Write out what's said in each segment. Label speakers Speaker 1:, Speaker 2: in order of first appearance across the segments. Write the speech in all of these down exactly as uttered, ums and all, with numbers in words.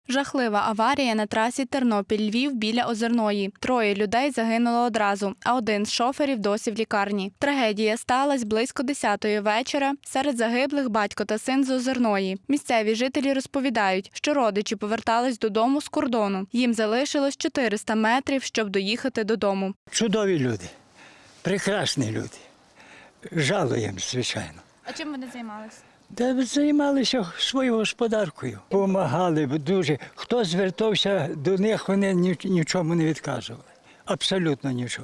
Speaker 1: Жахлива аварія на трасі Тернопіль-Львів біля Озерної. Троє людей загинуло одразу, а один з шоферів досі в лікарні. Трагедія сталася близько десятої вечора. Серед загиблих батько та син з Озерної. Місцеві жителі розповідають, що родичі повертались додому з кордону. Їм залишилось чотириста метрів, щоб доїхати додому.
Speaker 2: Чудові люди, прекрасні люди. Жалуємо, звичайно.
Speaker 1: А чим вони займалися?
Speaker 2: Та займалися своєю господаркою. Помагали дуже. Хто звертався до них, вони нічому не відказували. Абсолютно нічому.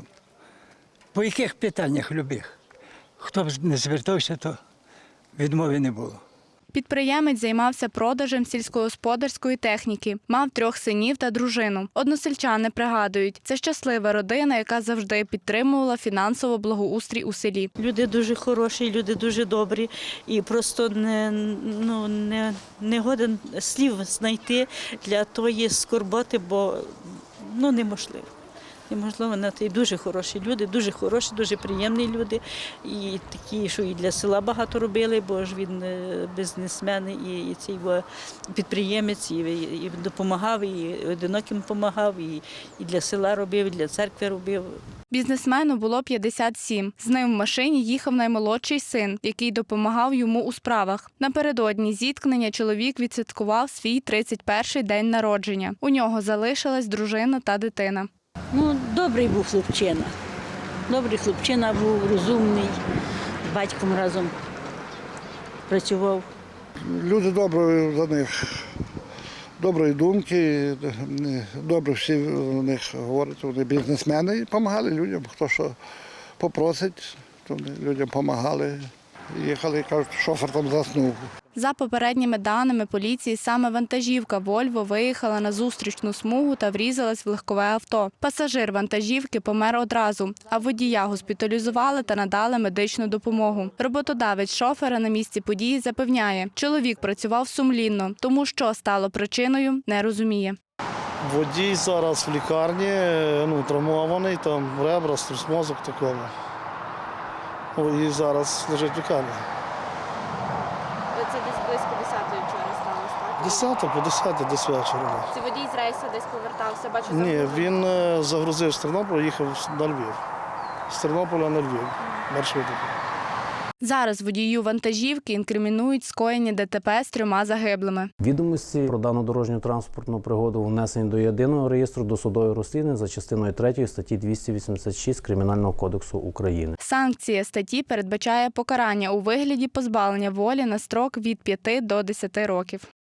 Speaker 2: По яких питаннях любих? Хто б не звертався, то відмови не було.
Speaker 1: Підприємець займався продажем сільськогосподарської техніки. Мав трьох синів та дружину. Односельчани пригадують, це щаслива родина, яка завжди підтримувала фінансово благоустрій у селі.
Speaker 3: Люди дуже хороші, люди дуже добрі. І просто не, ну, не, не годен слів знайти для тої скорботи, бо ну, неможливо. Неможливо, і дуже хороші люди, дуже хороші, дуже приємні люди. І такі, що і для села багато робили, бо ж він бізнесмен, і, і цей підприємець, і, і допомагав, і одиноким допомагав, і, і для села робив, і для церкви робив.
Speaker 1: Бізнесмену було п'ятдесят сім. З ним в машині їхав наймолодший син, який допомагав йому у справах. Напередодні зіткнення чоловік відсвяткував свій тридцять перший день народження. У нього залишилась дружина та дитина.
Speaker 3: Ну, добрий був хлопчина. Добрий хлопчина був, розумний, з батьком разом працював.
Speaker 4: Люди добрі за них, доброї думки, добре всі у них говорять, вони бізнесмени і допомагали людям, хто що попросить, то вони людям допомагали. Їхали, кажуть, шофер там заснув.
Speaker 1: За попередніми даними поліції, саме вантажівка «Вольво» виїхала на зустрічну смугу та врізалась в легкове авто. Пасажир вантажівки помер одразу, а водія госпіталізували та надали медичну допомогу. Роботодавець шофера на місці події запевняє, чоловік працював сумлінно, тому що стало причиною, не розуміє.
Speaker 5: Водій зараз в лікарні, ну, травмований, там ребра, струс мозок такого. І зараз лежить в лікарні.
Speaker 1: Це десь близько десятої вчора сталося, так?
Speaker 5: Десята по десяти десь вечора.
Speaker 1: Це водій з рейсу десь повертався, бачу,
Speaker 5: Ні, він загрузив з Тернополя, їхав на Львів. З Тернополя на Львів, маршрутом.
Speaker 1: Зараз водію вантажівки інкримінують скоєння ДТП з трьома загиблими.
Speaker 6: Відомості про дану дорожньо-транспортну пригоду внесені до єдиного реєстру досудових розслідувань за частиною третьою статті двісті вісімдесят шість Кримінального кодексу України.
Speaker 1: Санкція статті передбачає покарання у вигляді позбавлення волі на строк від п'яти до десяти років.